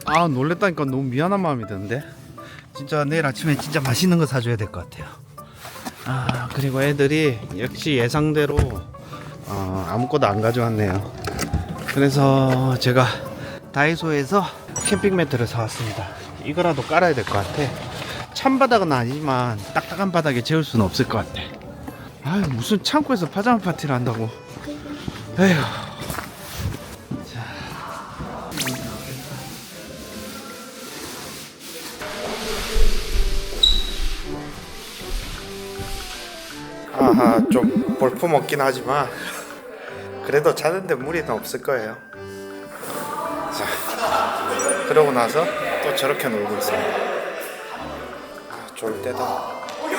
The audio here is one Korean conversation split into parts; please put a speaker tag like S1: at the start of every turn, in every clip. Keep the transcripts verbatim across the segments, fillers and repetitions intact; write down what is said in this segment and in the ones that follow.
S1: 아 놀랬다니까 너무 미안한 마음이 드는데 진짜 내일 아침에 진짜 맛있는 거 사줘야 될 것 같아요. 아 그리고 애들이 역시 예상대로 어, 아무것도 안 가져왔네요. 그래서 제가 다이소에서 캠핑 매트를 사왔습니다. 이거라도 깔아야 될 것 같아. 찬바닥은 아니지만 딱딱한 바닥에 재울 수는 없을 것 같아. 아 무슨 창고에서 파자마 파티를 한다고. 에휴. 자. 아하 좀 볼품 없긴 하지만 그래도 자는데 무리는 없을 거예요. 자 그러고 나서 또 저렇게 놀고 있습니다. 아 좋을 때다.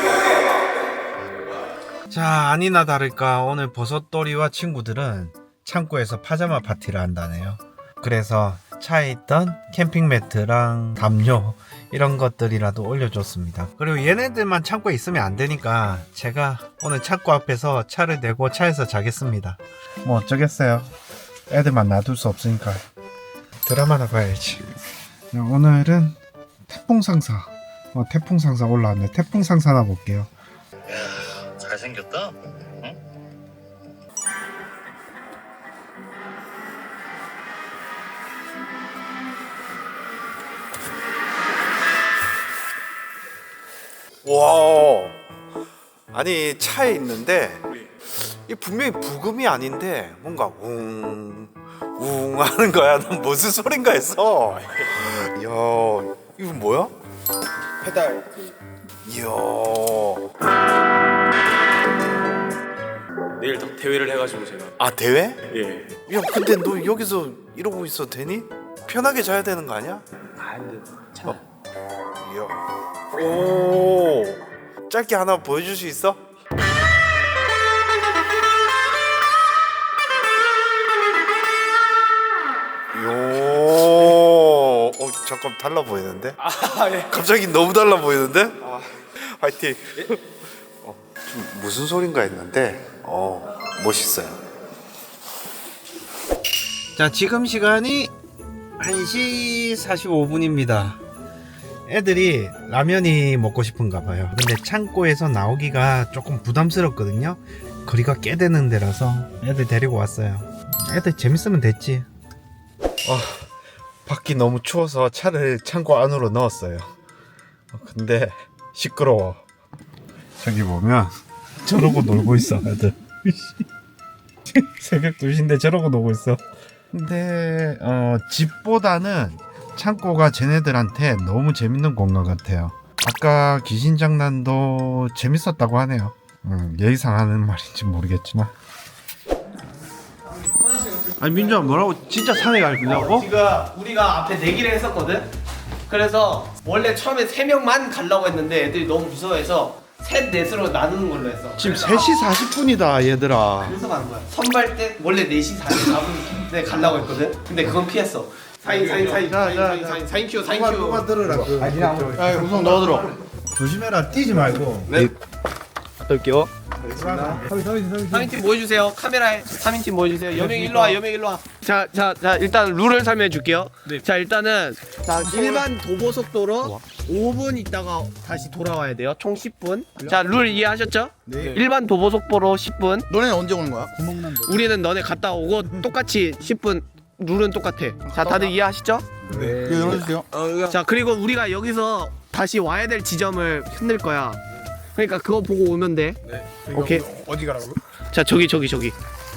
S1: 자 아니나 다를까 오늘 버섯돌이와 친구들은 창고에서 파자마 파티를 한다네요. 그래서 차에 있던 캠핑 매트랑 담요 이런 것들이라도 올려줬습니다. 그리고 얘네들만 창고에 있으면 안 되니까 제가 오늘 창고 앞에서 차를 대고 차에서 자겠습니다. 뭐 어쩌겠어요. 애들만 놔둘 수 없으니까 드라마나 봐야지. 오늘은 태풍상사 어, 태풍상사 올라왔네. 태풍상사나 볼게요.
S2: 야, 잘생겼다. 응?
S1: 와 아니 차에 있는데 이 분명히 부금이 아닌데 뭔가 웅 웅 하는 거야. 난 무슨 소린가 했어. 이야 이거 뭐야?
S3: 페달
S1: 이야
S3: 내일 더 대회를 해가지고 제가
S1: 아 대회?
S3: 예.
S1: 야 근데 너 여기서 이러고 있어도 되니? 편하게 자야 되는 거 아니야?
S3: 아 근데 참
S1: 이야 오 짧게 하나 보여줄 수 있어? 요, 어 잠깐 달라 보이는데?
S3: 아 예.
S1: 갑자기 너무 달라 보이는데? 아, 화이팅. 어, 좀 무슨 소린가 했는데, 어 멋있어요. 자 지금 시간이 한 시 사십오 분입니다. 애들이 라면이 먹고 싶은가 봐요. 근데 창고에서 나오기가 조금 부담스럽거든요. 거리가 꽤 되는 데라서 애들 데리고 왔어요. 애들 재밌으면 됐지. 아, 밖이 너무 추워서 차를 창고 안으로 넣었어요. 어, 근데 시끄러워. 저기 보면 저러고 놀고 있어 애들. 새벽 두 시인데 저러고 놀고 있어. 근데 어, 집보다는 창고가 쟤네들한테 너무 재밌는 공간 같아요. 아까 귀신 장난도 재밌었다고 하네요. 음, 예의상 하는 말인지 모르겠지만. 아니 민주야 뭐라고? 진짜 산에 갈 거냐고?
S4: 지금 우리가 앞에 내기를 했었거든. 그래서 원래 처음에 세 명만 가려고 했는데 애들이 너무 무서워해서 셋 넷으로 나누는 걸로 했어.
S1: 지금
S4: 그래서
S1: 세 시 사십 분이다 얘들아.
S4: 그래서 가는 거야. 선발 때 원래 네 시 사십사 분에 가려고 했거든. 근데 그건 피했어. 사인 사인 사인
S1: 자,
S4: 사인
S1: 자,
S4: 사인
S1: 자.
S4: 사인 사인 큐 사인
S1: 누가
S4: 큐.
S1: 들으라.
S4: 야 우선 넣어 들어.
S1: 조심해라. 뛰지 말고.
S4: 네.
S1: 떨게요.
S4: 삼 인팀 모여주세요. 카메라에 삼 인팀 모여주세요. 여명 일로 와. 여명 일로 와. 자, 자, 자 일단 룰을 설명해 줄게요. 자 일단은 자 일반 도보 속도로 오 분 있다가 다시 돌아와야 돼요. 총 십 분. 자 룰 이해하셨죠? 네. 일반 도보 속도로 십 분.
S3: 너네는 언제 오는 거야?
S4: 우리는 너네 갔다 오고 똑같이 십 분. 룰은 똑같아. 자 다들 이해하시죠?
S3: 네. 이거 열어주세요.
S4: 자 그리고 우리가 여기서 다시 와야 될 지점을 흔들 거야. 그러니까 그거 보고 오면 돼.
S3: 네.
S4: 오케이.
S3: 어디 가라고?
S4: 자 저기 저기 저기.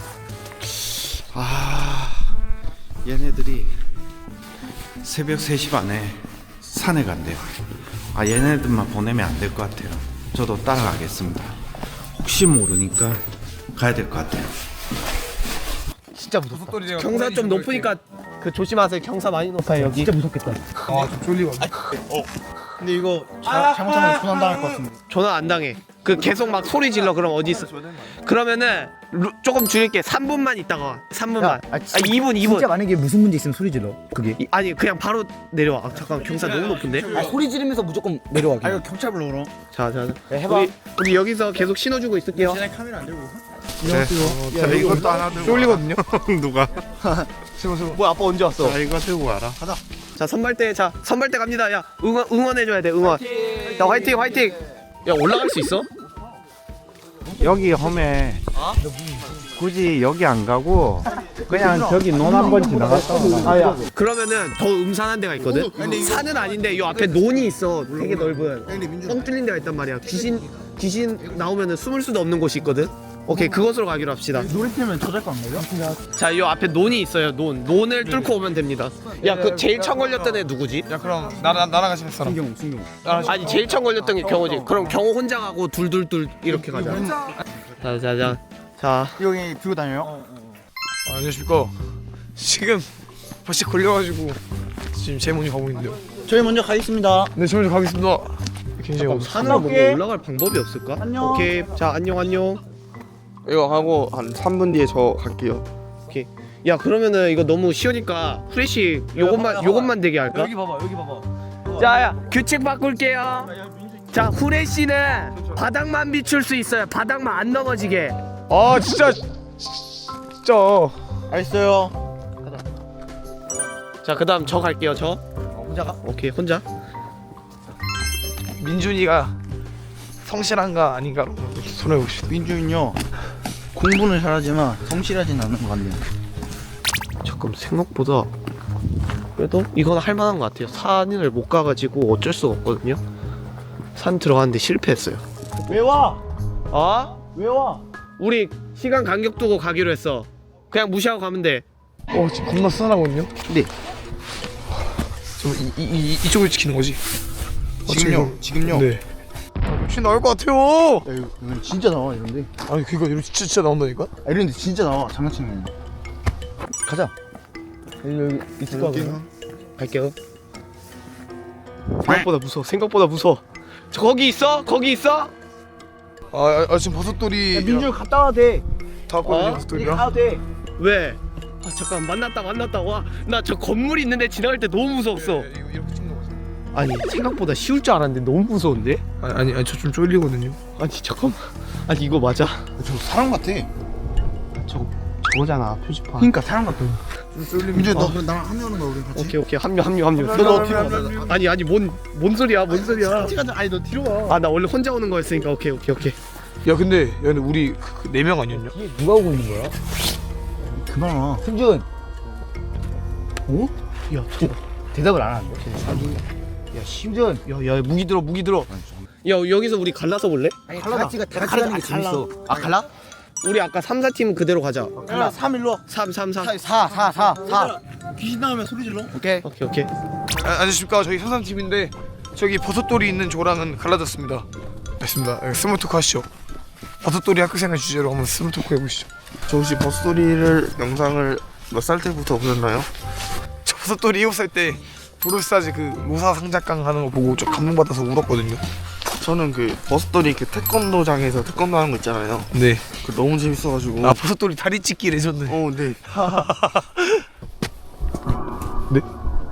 S1: 아 얘네들이 새벽 세 시 반에 산에 간대요. 아 얘네들만 보내면 안 될 것 같아요. 저도 따라가겠습니다. 혹시 모르니까 가야 될 것 같아요.
S4: 진짜 무섭다. 경사 좀 높으니까 그 조심하세요. 경사 많이 높아요 여기. 진짜 무섭겠다.
S3: 아좀 쫄리고. 어. 근데 이거 자, 잘못하면 조난 당할 것 같은데.
S4: 전화 안 당해. 그 계속 막 소리 질러. 그럼 어디 있어? 그러면은 루, 조금 줄일게. 삼 분만 있다가 와. 삼 분만. 아, 이 분 이 분.
S5: 진짜 만약에 무슨 문제 있으면 소리 질러. 그게.
S4: 이, 아니 그냥 바로 내려와. 아, 잠깐 경사 너무 높은데.
S5: 아, 소리 지르면서 무조건 내려와.
S3: 아 이거 경찰 불러 그럼.
S4: 자, 자, 자.
S5: 네, 해봐.
S4: 우리, 우리 여기서 계속 신호주고 있을게요.
S3: 쟤네 카메라 안 들고.
S1: 네. 자 이것도 하나 들고 쫄리거든요. 누가?
S4: 뭐야 아빠 언제 왔어?
S1: 자 이거 들고 와라.
S4: 자 자 선발대 자 선발대 갑니다. 야 응원 응원해줘야 돼 응원. 자 화이팅 화이팅. 야 올라갈 수 있어?
S6: 여기 험해. 굳이 여기 안 가고 그냥 저기 논 한번 지나갔다 오나.
S4: 아야. 그러면은 더 음산한 데가 있거든. 산은 아닌데 요 앞에 논이 있어. 되게 넓은. 뻥 뚫린 데가 있단 말이야. 귀신 귀신 나오면은 숨을 수도 없는 곳이 있거든. 오케이 그곳으로 가기로 합시다.
S3: 노래팀은 저작권 안 걸려?
S4: 자, 요 앞에 논이 있어요. 논. 논을 뚫고 오면 됩니다. 야, 그 제일 처음 걸렸던 애 누구지?
S3: 야 그럼 나랑 나랑 같이 했어.
S5: 순경 순경.
S4: 아니, 제일 처음 걸렸던 게 경호지. 그럼 경호 혼자 가고 둘둘둘 이렇게 가자. 자, 자, 자. 자,
S3: 여기 들고 다녀요?
S7: 아, 안녕하십니까. 지금 벌써 걸려가지고 지금 제 먼저 가고 있는데요.
S3: 저희 먼저 가겠습니다.
S7: 네, 저 먼저 가겠습니다. 굉장히 어서.
S4: 산으로 뭔가 올라갈 방법이 없을까?
S3: 안녕.
S4: 오케이. 자, 안녕, 안녕.
S7: 이거 하고 한 삼 분 뒤에 저 갈게요.
S4: 오케이. 야, 그러면은 이거 너무 쉬우니까 후레쉬 요것만 요것만 되게 할까?
S3: 여기 봐봐 여기 봐봐.
S4: 자, 야, 규칙 바꿀게요. 자, 후레쉬는 바닥만 비출 수 있어요. 바닥만 안 넘어지게.
S7: 아, 진짜 진짜.
S3: 알겠어요.
S4: 자, 그다음 저 갈게요. 저.
S3: 혼자 가?
S4: 오케이, 혼자.
S7: 민준이가 성실한가 아닌가로 이렇게 손해 봅시다.
S3: 민주는요 공부는 잘하지만 성실하진 않은 것 같네요.
S4: 잠깐 생각보다 그래도 이건 할만한 것 같아요. 산을 못 가가지고 어쩔 수가 없거든요. 산 들어갔는데 실패했어요.
S3: 왜 와?
S4: 어?
S3: 왜 와?
S4: 우리 시간 간격 두고 가기로 했어. 그냥 무시하고 가면 돼.
S7: 어, 지금 겁나 쓰나거든요.
S3: 네.
S7: 지금 이, 이, 이 이쪽을 지키는 거지. 어,
S3: 지금요? 지금요?
S7: 네. 혹시 나올 것 같아요.
S3: 야 이거 이건 진짜 나와 이런데.
S7: 아니 그거 이거 진짜, 진짜 나온다니까.
S3: 아 이런데 진짜 나와 장난치는 거. 가자. 여기 여기 있을 거야. 그러면?
S4: 갈게요. 생각보다 무서워. 생각보다 무서워. 저 거기 있어? 거기 있어?
S7: 아, 아, 아 지금 버섯돌이
S3: 민주 갔다 와도 돼.
S7: 다 왔거든요.
S4: 어?
S7: 버섯돌이랑.
S3: 가도 돼.
S4: 왜? 아 잠깐 만났다 만났다. 와 나 저 건물 있는데 지나갈 때 너무 무서웠어.
S7: 네, 이거 이렇게 찍는 거지.
S4: 아니 생각보다 쉬울 줄 알았는데 너무 무서운데?
S7: 아니 아니, 아니 저 좀 쫄리거든요.
S4: 아니 잠깐만. 아니 이거 맞아?
S3: 저 사람 같아.
S4: 저 저거잖아 표지판.
S3: 그러니까 사람 같아.
S7: 좀 쫄리면.
S3: 민주 너 그럼 나랑 합류하는 거야 우리 같이.
S4: 오케이 오케이 합류 합류 합류.
S3: 너 뒤로 와.
S4: 아니 아니 뭔 뭔 소리야 뭔 소리야?
S3: 같이 가자. 아니 너 뒤로 와.
S4: 아 나 원래 혼자 오는 거였으니까 오케이 오케이 오케이.
S7: 야 근데 야 근데 우리 네 명 아니었냐?
S5: 누가 오고 있는 거야?
S3: 그만 와.
S5: 승준
S3: 어?
S4: 야 저,
S5: 대답을 안 하는데. 야 심준.
S4: 야야 무기 들어 무기 들어. 야 여기서 우리 갈라서 볼래?
S5: 아니 다 같이 가, 다 같이 가는 게 재밌어.
S4: 아 갈라? 우리 아까 삼, 사 팀 그대로 가자.
S3: 야 삼 일로 와.
S4: 삼, 삼, 사.
S3: 사 사 사 사. 귀신 나오면 소리 질러.
S5: 오케이.
S4: 오케이 오케이.
S7: 아, 안녕하십니까. 저희 삼삼팀인데 저기 버섯돌이 있는 조랑은 갈라졌습니다. 됐습니다. 예, 스몰 토크 하시죠. 버섯돌이 학교생활 주제로 한번 스몰 토크 해보시죠.
S8: 저 혹시 버스토리를 영상을 몇 살 때부터 보셨나요?
S7: 저 버섯돌이 일곱 살 때 브로스타즈 그 모사 상작강 하는 거 보고 좀 감동받아서 울었거든요.
S8: 저는 그 버스토리 그 태권도장에서 태권도 하는 거 있잖아요.
S7: 네.
S8: 그 너무 재밌어가지고.
S7: 아 버섯돌이 다리 찢기 레전드.
S8: 어, 네.
S7: 네?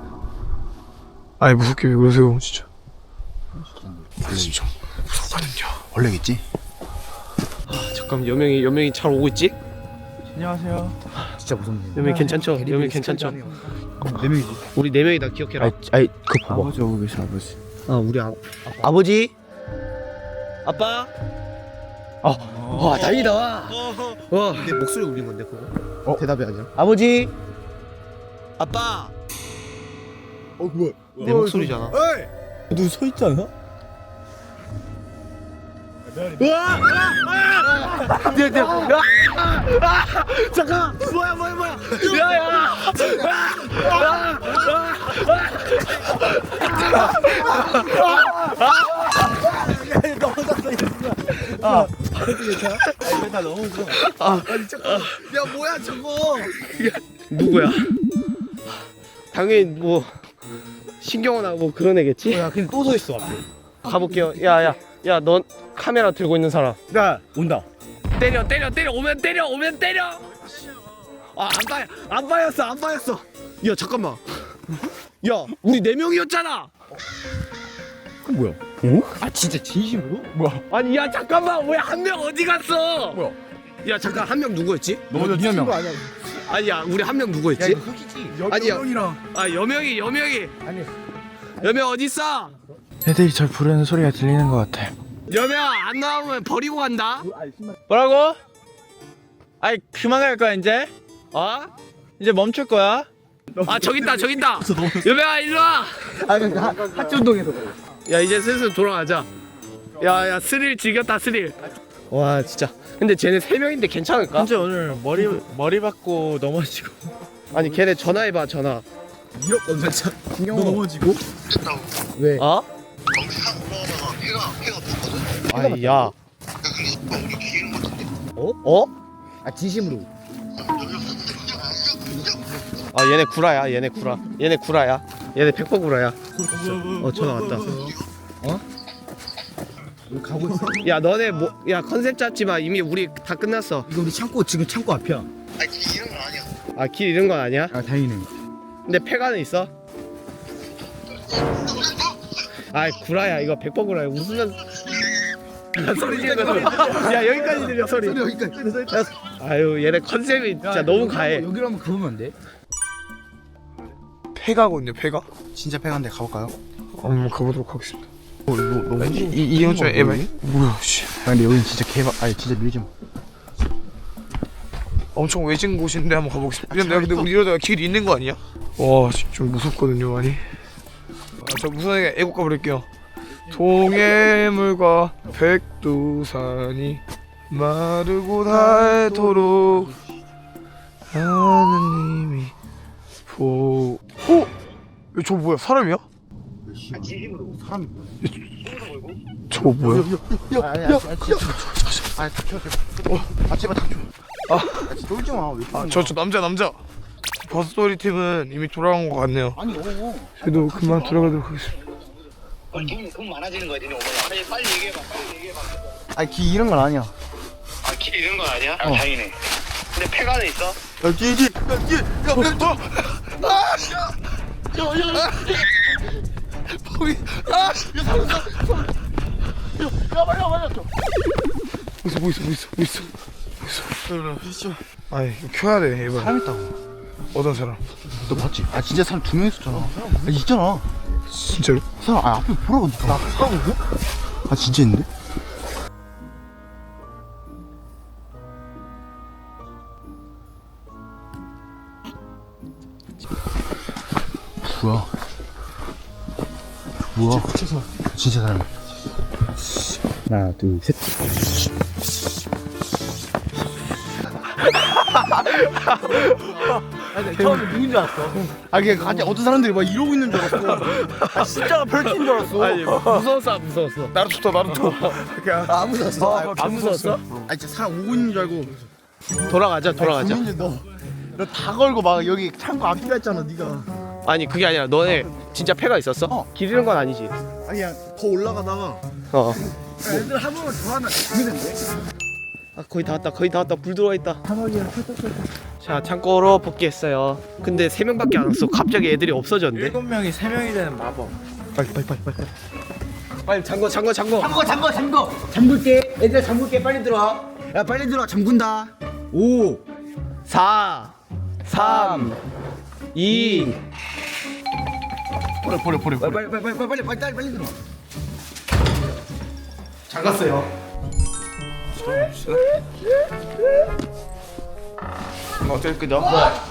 S7: 아니 무섭게 왜 그러세요 진짜. 아시죠? 무섭거든요.
S3: 원래겠지.
S4: 잠깐 여명이 여명이 잘 오고 있지?
S3: 안녕하세요.
S5: 진짜 무섭네.
S4: 여명이 괜찮죠? 여명이 괜찮죠?
S3: 네 명이지.
S4: 우리 네 명이 다 기억해라.
S5: 아이 아이 그 봐봐.
S8: 아버지 오고 계시 아버지.
S4: 아 우리 아,
S5: 아버지.
S4: 아빠. 아, 와 다행이다. 와. 와. 내 목소리 울린 건데 그거?
S5: 어?
S4: 대답이 아니야.
S5: 아버지.
S4: 아빠.
S3: 어 뭐야?
S4: 내 목소리잖아.
S5: 너 서 있지 않아?
S4: 잠깐. 뭐야 뭐야 뭐야. 야야.
S3: 야 뭐야 저거?
S4: 누구야? 당연히 뭐 신경호나 뭐 그런 애겠지?
S5: 야 근데 또 서 있어.
S4: 가볼게요. 야야 야 넌 카메라 들고 있는 사람
S5: 야 온다.
S4: 때려 때려 때려 오면 때려 오면 때려. 아안 봐, 안 봐였어 안 봐였어. 야 잠깐만. 야 우리 네 명이었잖아.
S5: 그 뭐야? 어? 아 진짜 진심으로? 뭐야?
S4: 아니 야 잠깐만 왜 한 명 어디 갔어?
S5: 뭐야?
S4: 야 잠깐 한 명 누구였지?
S3: 너 니네 명.
S4: 아니야 우리 한 명 누구 있지? 아니야.
S5: 여명이랑
S4: 아 여명이 여명이.
S5: 아니.
S4: 여명 어디 있어?
S8: 애들이 절 부르는 소리가 들리는 것 같아.
S4: 여명 안 나오면 버리고 간다.
S6: 뭐라고? 아이 그만 갈 거야 이제? 어? 이제 멈출 거야?
S4: 아 저기 있다 저기 있다. 여명아 일로 와.
S5: 하천동에서.
S4: 야 이제 슬슬 돌아가자. 야야 스릴 즐겼다 스릴. 와 진짜. 근데 쟤네 세 명인데 괜찮을까?
S6: 현재 오늘 머리 머리 받고 넘어지고.
S4: 아니 걔네 전화해봐 전화.
S5: 이런 건자 너 넘어지고? 왜?
S4: 어?
S2: 경찰 올라오다가 폐가 폐가 붙거든.
S4: 아이 야.
S2: 근데 우리 기회는 것 같은데.
S4: 어? 어?
S5: 아 진심으로.
S4: 아 얘네 구라야 얘네 구라. 얘네 구라야. 얘네 백 퍼센트 구라야. 어 전화 왔다.
S5: 우리 가고 있어.
S4: 야 너네 뭐 야 컨셉 잡지 마. 이미 우리 다 끝났어.
S5: 이거 우리 창고 지금 창고 앞이야.
S2: 아니 이런 건 아니야.
S4: 아 길 잃은 건 아니야?
S5: 아 다행이네.
S4: 근데 폐가는 있어? 아이 구라야 이거 백 퍼센트 구라야. 웃으면 야, 소리 지르는 거 소리. 야 여기까지 들려 소리.
S5: 여기까지.
S4: 야, 아유 얘네 컨셉이 진짜 너무 가해.
S5: 여기로 한번 가보면 안 돼?
S7: 폐가거든요 폐가.
S3: 진짜 폐가인데 가볼까요?
S7: 한번 가보도록 하겠습니다. 어, 이거 너무 이이 형 좀 에바이. 뭐야 씨.
S3: 아 근데 여긴 진짜 개박 아니 진짜 밀지 마.
S7: 엄청 외진 곳인데 한번 가보겠습니다. 근데 근데 우리 이러다가 길 잃는 거 아니야? 와, 진짜 좀 무섭거든요, 많이. 아, 저 무선하게 애국가 부를게요. 동해물과 백두산이 마르고 닳도록 하느님이 보... 어? 저 뭐야, 사람이야?
S3: 사람이
S7: 저거 뭐야?
S3: 아니 아니 아 닥쳐 제발. 아 제발 닥쳐. 아 진짜 쫄지 마. 왜
S7: 아, 저, 저 남자, 남자. 버스토리 팀은 이미 돌아간 것 같네요.
S3: 아니 어.
S7: 저도 그만 들어가도록 하겠습니다.
S2: 돈, 돈 많아지는 거야, 니네 오면. 빨리, 빨리 얘기해봐, 빨리 얘기해봐.
S3: 아니 기 이런 건 아니야.
S2: 아, 길 잃은 건 아니야? 아, 다행이네. 근데 폐가는 있어?
S3: 야 뒤에 뒤에 야 뒤에 야 야, 너. 아! 야! 야! 야! 야! 거기 아! 야 사람 사람. 야, 야 말이야 말이야.
S7: 뭐 있어, 뭐 있어, 뭐 있어, 뭐 있어. 뭐 있어. 아, 이거 켜야 돼, 이번.
S3: 사람 있다고.
S7: 어떤 사람?
S3: 너 봤지? 아 진짜 사람 두 명 있었잖아. 아 있잖아.
S7: 진짜로?
S3: 사람 아 앞에 보라고 나 보라고 이거? 아 진짜 있는데? 뭐야? 뭐야? 진짜, 진짜 사람.
S5: 하나 둘 셋.
S3: 처음에 누군 줄 알았어. 아 그게 갑자기 어떤 사람들이 막 이러고 있는 줄 알았어. 아 진짜가 펼친 줄 알았어.
S4: 아니 무서웠어 안 무서웠어?
S7: 나루토다, 나루토.
S3: 아, 안 무서웠어. 아,
S4: 안 무서웠어?
S3: 아 진짜 사람 오고 있는 줄 알고.
S4: 돌아가자 돌아가자.
S3: 민재 너너 다 걸고 막 여기 창고 앞이라 했잖아 네가.
S4: 아니 그게 아니라 너네 진짜 폐가 있었어?
S3: 어.
S4: 길 잃은 건 아니지?
S3: 아니야 더 올라가다가
S4: 어.
S3: 애들 한 번만 더 하면 죽는데.
S4: 아 거의 다 왔다 거의 다 왔다 불 들어와 있다. 자 창고로 복귀했어요. 근데 세 명밖에 안 왔어. 갑자기 애들이 없어졌네.
S6: 일곱 명이 세 명이 되는 마법.
S3: 빨리 빨리 빨리 빨리.
S4: 빨리 잠궈 잠궈 잠궈.
S5: 잠궈 잠궈 잠궈. 잠글게. 얘들아 잠글게. 빨리 들어와. 야 빨리 들어와. 잠군다. 오.
S4: 사, 삼, 이.
S3: 버려 버려 버려. 버려.
S5: 빨리 빨리 빨리 빨리 빨리 빨리 빨리 들어와.
S4: 잠갔어요.
S7: 어쩔 끄죠?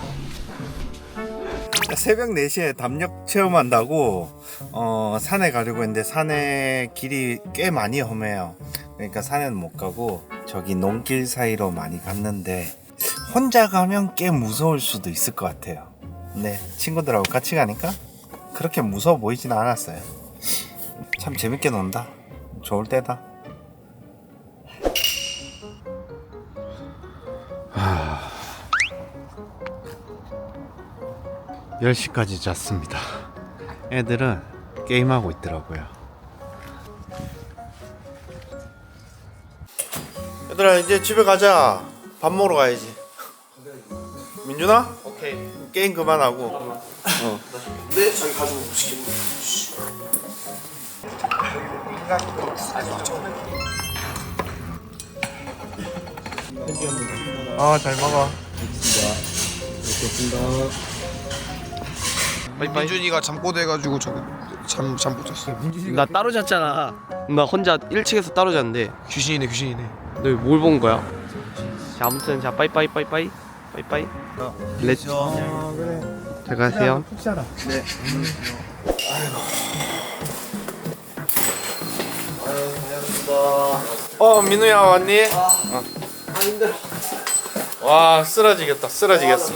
S1: 새벽 네 시에 담력 체험한다고 어, 산에 가려고 했는데 산에 길이 꽤 많이 험해요. 그러니까 산에는 못 가고 저기 농길 사이로 많이 갔는데 혼자 가면 꽤 무서울 수도 있을 것 같아요. 근데 친구들하고 같이 가니까 그렇게 무서워 보이진 않았어요. 참 재밌게 논다. 좋을 때다. 열 시까지 잤습니다. 애들은 게임하고 있더라고요. 얘들아 이제 집에 가자. 밥 먹으러 가야지. 민준아? 오케이. 게임 그만하고. 어.
S7: 네, 자기 가지고 시키고. 아, 잘 먹어. 민준이가 잠꼬대가지고 저거 잠잠 못 잤어.
S4: 나 따로 잤잖아. 나 혼자 일 층에서 따로 잤는데.
S7: 귀신이네 귀신이네.
S4: 너 뭘 본 거야? 자 아무튼 자 빠이빠이 빠이빠이 빠이빠이. 렛츠. 잘 가세요.
S1: 푹 자라. 어 민우야 왔니?
S4: 아 힘들어.
S1: 와 쓰러지겠다 쓰러지겠어.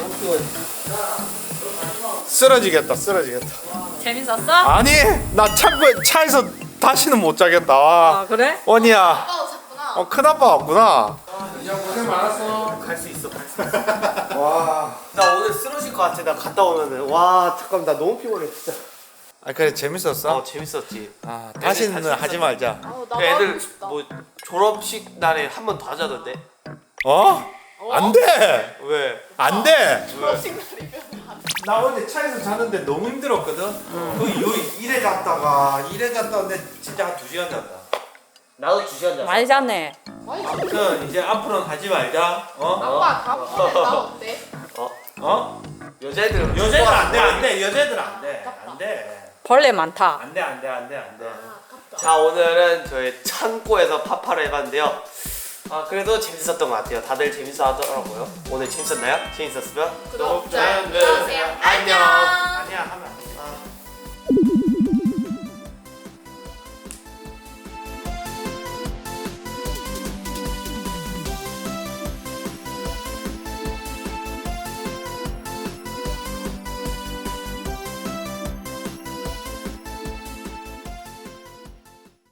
S1: 쓰러지겠다 쓰러지겠다.
S9: 재밌었어?
S1: 아니 나 창고에 차에서 다시는 못 자겠다.
S9: 아 그래?
S1: 원이야.
S9: 아빠도 잤구나.
S1: 어 큰아빠 왔구나.
S4: 고생 많았어. 갈 수 있어. 갈 수 있어. 와. 나 오늘 쓰러질 것 같아. 나 갔다 오면은. 와 잠깐 나 너무 피곤해 진짜.
S1: 아 그래 재밌었어?
S4: 어 재밌었지.
S1: 아 다시는
S4: 다시
S1: 하지 말자.
S9: 어,
S4: 그
S9: 나도
S4: 애들
S9: 하고 싶다.
S4: 뭐 졸업식 날에 한 번 더 하자던데.
S1: 어? 안 돼.
S4: 왜?
S1: 안 돼.
S9: 졸업식 날이면
S1: 나 어제 차에서 자는데 너무 힘들었거든. 그 이후에 일에 갔다가 일에 갔다 왔는데 진짜 한 두 시간 잤다.
S4: 나도 두 시간 잤어.
S9: 많이 잤네.
S1: 아무튼 이제 앞으로는 하지 말자. 어?
S9: 아빠 다음번에 나 어때?
S1: 어?
S4: 여자애들은
S1: 여자애들 안 돼, 안 돼. 여자애들 안 돼. 안 돼.
S9: 벌레 많다.
S1: 안 돼, 안 돼, 안 돼, 안 돼.
S4: 자 오늘은 저희 창고에서 파파를 해봤는데요. 아 그래도 재밌었던 것 같아요. 다들 재밌어 하더라고요. 오늘 재밌었나요? 재밌었으면
S9: 구독, 좋아요 눌러주세요. 안녕.
S1: 아니야, 하면 안 돼.